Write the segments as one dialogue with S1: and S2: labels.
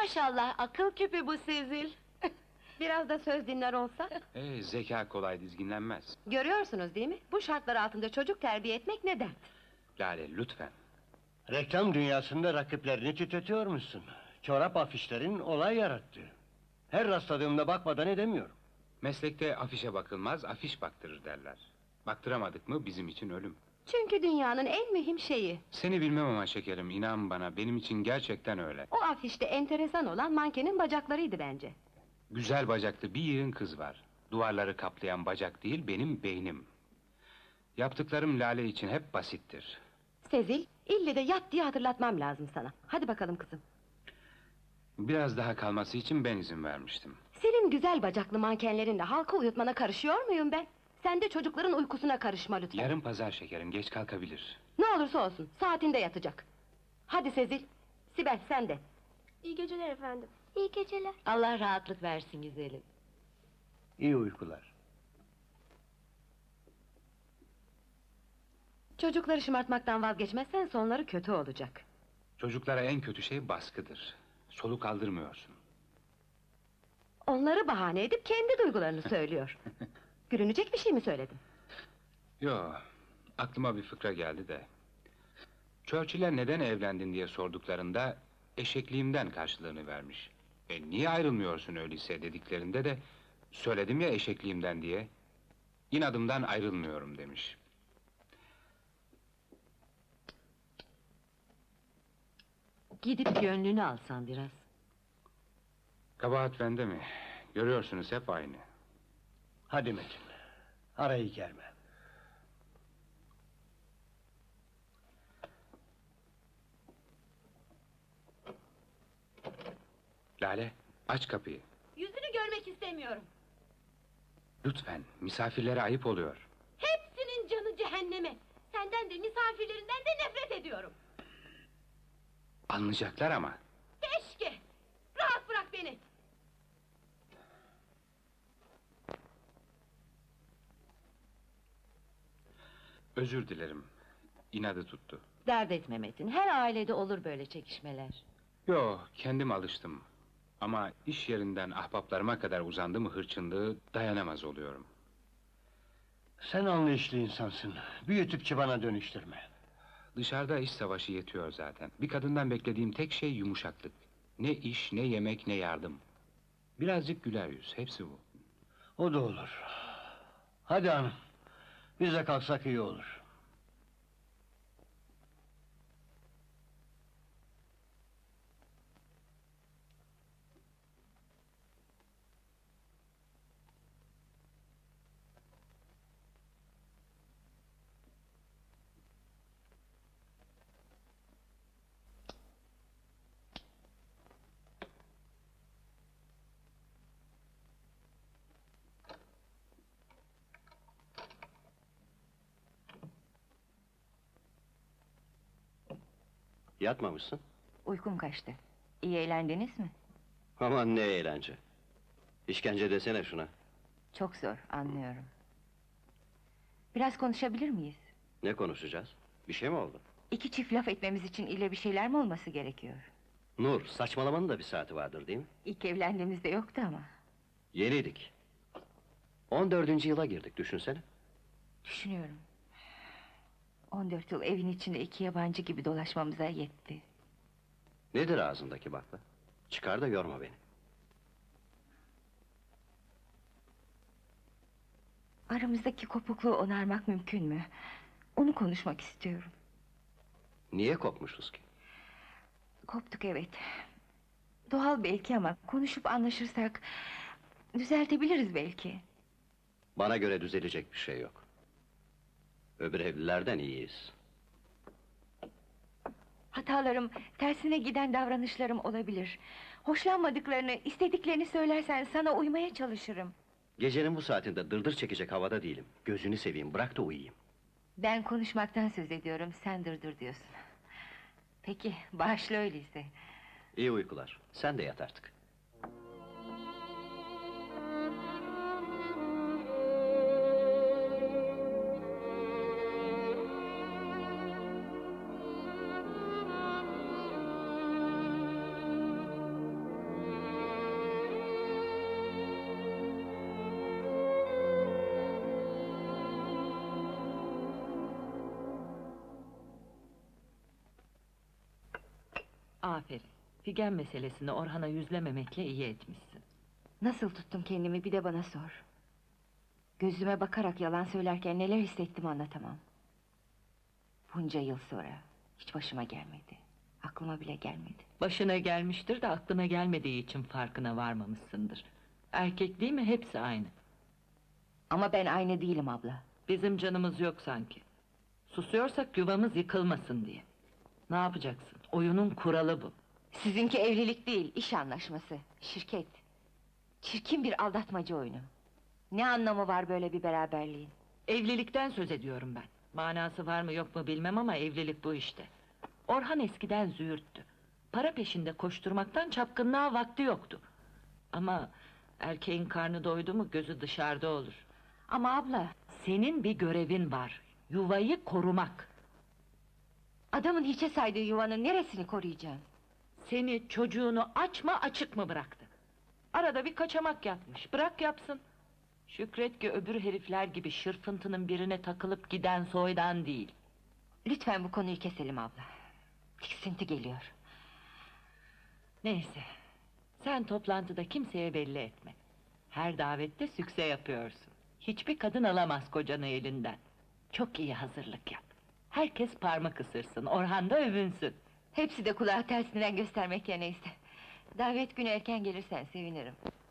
S1: Maşallah, akıl küpü bu Sezil. Biraz da söz dinler olsa.
S2: Zeka kolay dizginlenmez.
S1: Görüyorsunuz değil mi? Bu şartlar altında çocuk terbiye etmek ne dert?
S2: Lale, lütfen.
S3: Reklam dünyasında rakiplerini titretiyormuşsun. Çorap afişlerin olay yarattı. Her rastladığımda bakmadan edemiyorum.
S2: Meslekte afişe bakılmaz, afiş baktırır derler. Baktıramadık mı bizim için ölüm.
S1: Çünkü dünyanın en mühim şeyi.
S2: Seni bilmem ama şekerim, inan bana, benim için gerçekten öyle.
S1: O afişte enteresan olan mankenin bacaklarıydı bence.
S2: Güzel bacaklı bir yığın kız var. Duvarları kaplayan bacak değil, benim beynim. Yaptıklarım Lale için hep basittir.
S1: Sezil, ille de yat diye hatırlatmam lazım sana. Hadi bakalım kızım.
S2: Biraz daha kalması için ben izin vermiştim.
S1: Senin güzel bacaklı mankenlerinle halka uyutmana karışıyor muyum ben? Sen de çocukların uykusuna karışma lütfen.
S2: Yarın pazar şekerim, geç kalkabilir.
S1: Ne olursa olsun, saatinde yatacak. Hadi Sezil, Sibel sen de.
S4: İyi geceler efendim. İyi geceler.
S1: Allah rahatlık versin güzelim.
S3: İyi uykular.
S1: Çocukları şımartmaktan vazgeçmezsen sonları kötü olacak.
S2: Çocuklara en kötü şey baskıdır. Soluk aldırmıyorsun.
S1: Onları bahane edip kendi duygularını söylüyor. Gülünecek bir şey mi söyledim?
S2: Yo, aklıma bir fıkra geldi de. Churchill'e neden evlendin diye sorduklarında eşekliğimden karşılığını vermiş. Niye ayrılmıyorsun öyleyse dediklerinde de söyledim ya eşekliğimden diye. İnadımdan ayrılmıyorum demiş.
S1: Gidip gönlünü alsan biraz.
S2: Kabahat bende mi? Görüyorsunuz hep aynı.
S3: Hadi Metin, arayı germe.
S2: Lale, aç kapıyı.
S1: Yüzünü görmek istemiyorum.
S2: Lütfen, misafirlere ayıp oluyor.
S1: Hepsinin canı cehenneme. Senden de misafirlerinden de nefret ediyorum.
S2: Anlayacaklar ama.
S1: Keşke! Rahat bırak beni!
S2: Özür dilerim. İnadı tuttu.
S1: Dert etme Metin, her ailede olur böyle çekişmeler.
S2: Yo, kendim alıştım. Ama iş yerinden ahbaplarıma kadar uzandı mı hırçınlığı dayanamaz oluyorum.
S3: Sen anlayışlı insansın. Büyütüp çıbana dönüştürme.
S2: Dışarıda iş savaşı yetiyor zaten. Bir kadından beklediğim tek şey yumuşaklık. Ne iş, ne yemek, ne yardım. Birazcık güler yüz, hepsi bu.
S3: O da olur. Hadi hanım, biz de kalksak iyi olur.
S5: Yatmamışsın.
S6: Uykum kaçtı. İyi eğlendiniz mi?
S5: Aman ne eğlence. İşkence desene şuna.
S6: Çok zor, anlıyorum. Biraz konuşabilir miyiz?
S5: Ne konuşacağız? Bir şey mi oldu?
S6: İki çift laf etmemiz için ille bir şeyler mi olması gerekiyor?
S5: Nur, saçmalamanın da bir saati vardır değil mi?
S6: İlk evlendiğimizde yoktu ama.
S5: Yeniydik. 14. yıla girdik, düşünsene.
S6: Düşünüyorum. 14 yıl evin içinde iki yabancı gibi dolaşmamıza yetti.
S5: Nedir ağzındaki bakla? Çıkar da yorma beni.
S6: Aramızdaki kopukluğu onarmak mümkün mü? Onu konuşmak istiyorum.
S5: Niye kopmuşuz ki?
S6: Koptuk evet. Doğal belki ama konuşup anlaşırsak düzeltebiliriz belki.
S5: Bana göre düzelecek bir şey yok. Öbür evlilerden iyiyiz.
S6: Hatalarım, tersine giden davranışlarım olabilir. Hoşlanmadıklarını, istediklerini söylersen sana uymaya çalışırım.
S5: Gecenin bu saatinde dırdır çekecek havada değilim. Gözünü seveyim, bırak da uyuyayım.
S6: Ben konuşmaktan söz ediyorum, sen dırdır diyorsun. Peki, bağışla öyleyse.
S5: İyi uykular. Sen de yat artık.
S7: Aferin. Figen meselesini Orhan'a yüzlememekle iyi etmişsin.
S6: Nasıl tuttum kendimi bir de bana sor. Gözüme bakarak yalan söylerken neler hissettim anlatamam. Bunca yıl sonra hiç başıma gelmedi. Aklıma bile gelmedi.
S7: Başına gelmiştir de aklına gelmediği için farkına varmamışsındır. Erkek değil mi hepsi aynı.
S6: Ama ben aynı değilim abla.
S7: Bizim canımız yok sanki. Susuyorsak yuvamız yıkılmasın diye. Ne yapacaksın? Oyunun kuralı bu.
S6: Sizinki evlilik değil, iş anlaşması, şirket. Çirkin bir aldatmaca oyunu. Ne anlamı var böyle bir beraberliğin?
S7: Evlilikten söz ediyorum ben. Manası var mı yok mu bilmem ama evlilik bu işte. Orhan eskiden züğürttü. Para peşinde koşturmaktan çapkınlığa vakti yoktu. Ama erkeğin karnı doydu mu gözü dışarıda olur.
S6: Ama abla,
S7: Senin bir görevin var. Yuvayı korumak.
S6: adamın hiçe saydığı yuvanın neresini koruyacağım?
S7: Seni, çocuğunu aç mı açık mı bıraktı? Arada bir kaçamak yapmış. Bırak yapsın. Şükret ki öbür herifler gibi şırfıntının birine takılıp giden soydan değil.
S6: Lütfen bu konuyu keselim abla. Tiksinti geliyor.
S7: Neyse. Sen toplantıda kimseye belli etme. Her davette sükse yapıyorsun. Hiçbir kadın alamaz kocanı elinden. Çok iyi hazırlık yap. Herkes parmak ısırsın, Orhan da övünsün.
S6: Hepsi de kulağı tersinden göstermek ya neyse. Davet günü erken gelirsen sevinirim.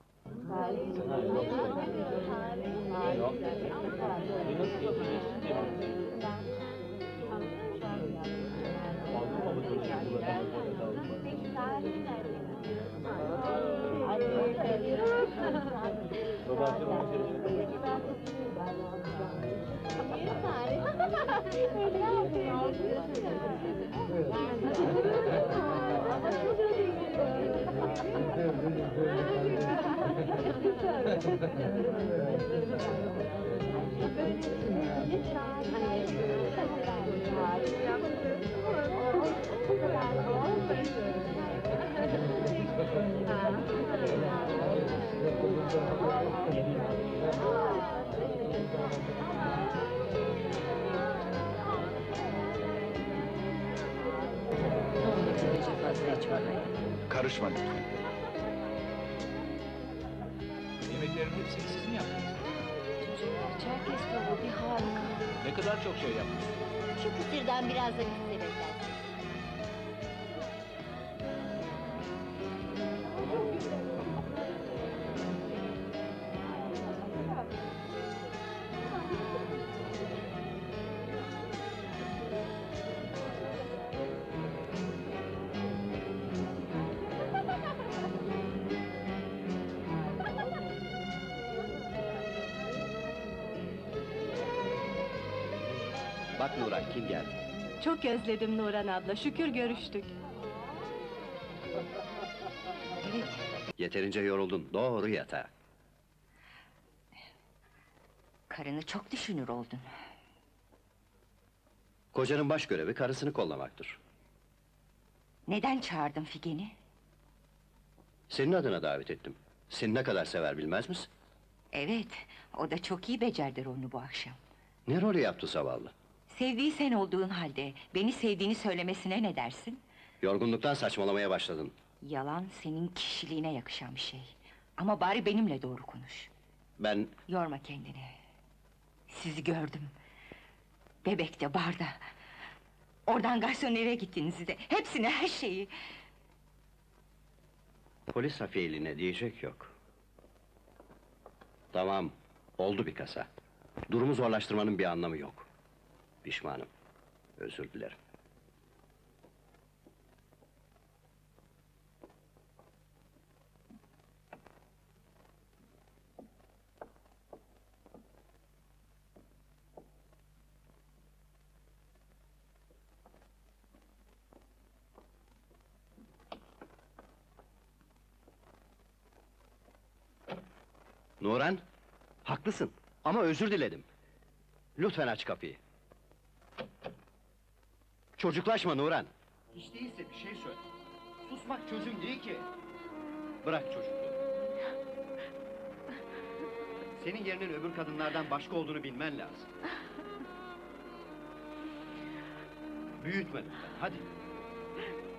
S2: Karışma lütfen. Yemeklerin hepsini siz mi yaptınız?
S6: Çerkez tavuğu bir harika.
S2: Ne kadar çok şey yaptınız.
S4: Şu kısırdan biraz da biz sebeplensin.
S5: Bak Nuran, kim geldi?
S1: Çok özledim Nuran abla, şükür görüştük.
S6: Evet,
S5: Yeterince yoruldun, doğru yatağa.
S6: karını çok düşünür oldun.
S5: Kocanın baş görevi karısını kollamaktır.
S6: Neden çağırdın Figen'i?
S5: Senin adına davet ettim. Seni ne kadar sever bilmez misin?
S6: Evet, o da çok iyi becerdi rolünü bu akşam.
S5: Ne rolü yaptı zavallı?
S6: Sevdiği sen olduğun halde, beni sevdiğini söylemesine ne dersin?
S5: Yorgunluktan saçmalamaya başladın.
S6: Yalan senin kişiliğine yakışan bir şey. Ama bari benimle doğru konuş.
S5: Ben
S6: Yorma kendini. Sizi gördüm. Bebekte, barda. Oradan garsonere gittiniz de. Hepsini, her şeyi.
S5: polis hafiyeliğine diyecek yok. Tamam, oldu bir kasa. Durumu zorlaştırmanın bir anlamı yok. Pişmanım, özür dilerim. Nuran, haklısın ama özür diledim. Lütfen aç kapıyı. Çocuklaşma Nuran. Hiç değilse bir şey söyle. Susmak çözüm değil ki. Bırak çocukluğu. Senin yerinin öbür kadınlardan başka olduğunu bilmen lazım. Büyütme lütfen, hadi.